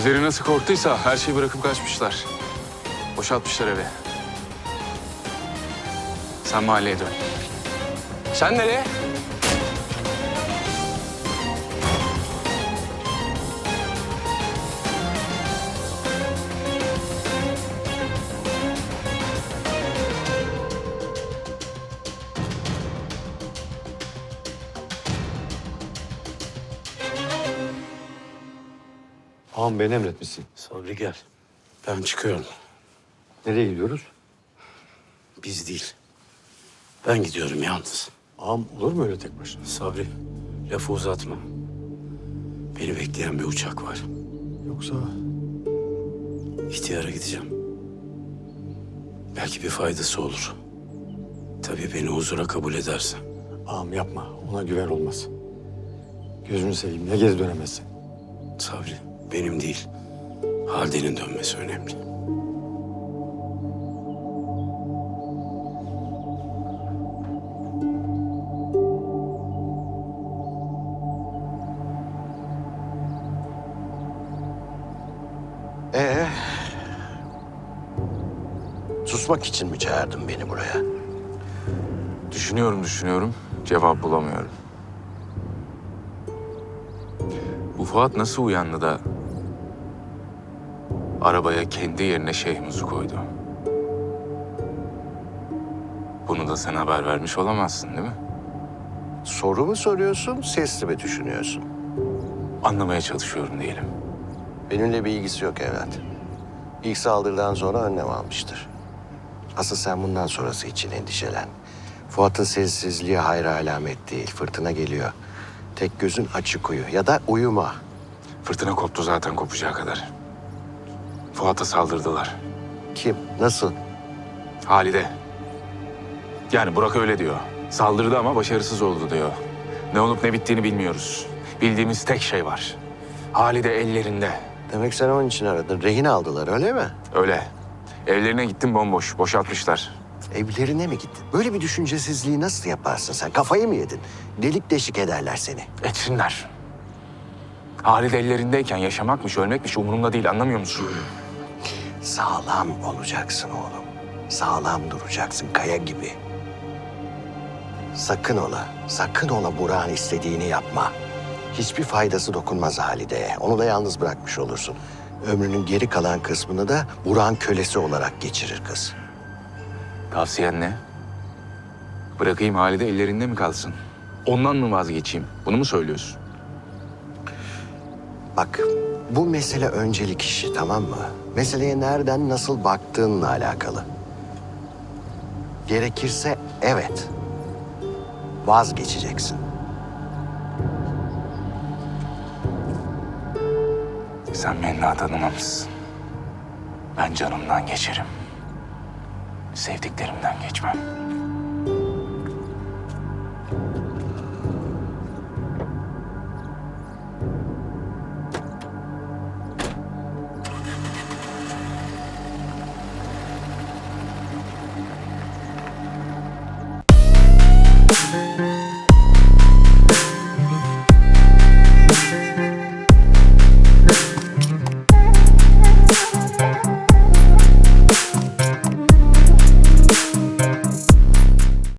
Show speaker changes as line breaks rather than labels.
Gözleri nasıl korktuysa her şeyi bırakıp kaçmışlar. Boşaltmışlar evi. Sen mahalleye dön.
Sen nereye?
Ağam beni emretmişsin.
Sabri gel. Ben çıkıyorum.
Nereye gidiyoruz?
Biz değil. Ben gidiyorum yalnız.
Ağam olur mu öyle tek başına?
Sabri, lafı uzatma. Beni bekleyen bir uçak var.
Yoksa
İhtiyara gideceğim. Belki bir faydası olur. Tabii beni huzura kabul ederse.
ağam yapma. Ona güven olmaz. Gözünü seveyim ya geri dönemezsin.
Sabri, benim değil. Halide'nin dönmesi önemli.
Susmak için mi çağırdın beni buraya?
Düşünüyorum. Cevap bulamıyorum. Bu Fuat nasıl uyandı da arabaya kendi yerine Şeyhmuz'u koydu? Bunu da sen haber vermiş olamazsın değil mi?
Soru mu soruyorsun, sesli mi düşünüyorsun?
Anlamaya çalışıyorum diyelim.
Benimle bir ilgisi yok evlat. İlk saldırıdan sonra önlem almıştır. Asıl sen bundan sonrası için endişelen. Fuat'ın sessizliği hayra alamet değil. Fırtına geliyor. Tek gözün açık uyu ya da uyuma.
Fırtına koptu zaten kopacağı kadar. Fuat'a saldırdılar.
Kim? Nasıl?
Halide. Yani Burak öyle diyor. Saldırdı ama başarısız oldu diyor. Ne olup ne bittiğini bilmiyoruz. Bildiğimiz tek şey var. Halide ellerinde.
Demek sen onun için aradın. Rehin aldılar öyle mi?
Öyle. Evlerine gittim bomboş. Boşaltmışlar.
Evlerine mi gittin? Böyle bir düşüncesizliği nasıl yaparsın sen? Kafayı mı yedin? Delik deşik ederler seni.
Etsinler. Halide ellerindeyken yaşamakmış, ölmekmiş umurumda değil. Anlamıyor musun?
Sağlam olacaksın oğlum. Sağlam duracaksın kaya gibi. Sakın ola Burak'ın istediğini yapma. Hiçbir faydası dokunmaz Halide'ye. Onu da yalnız bırakmış olursun. Ömrünün geri kalan kısmını da Burak'ın kölesi olarak geçirir kız.
Tavsiyen ne? Bırakayım Halide ellerinde mi kalsın? Ondan mı vazgeçeyim? Bunu mu söylüyorsun?
Bak, bu mesele öncelik işi, tamam mı? Meseleye nereden, nasıl baktığınla alakalı. Gerekirse evet, vazgeçeceksin.
Sen beni daha tanımamışsın. Ben canımdan geçerim. Sevdiklerimden geçmem.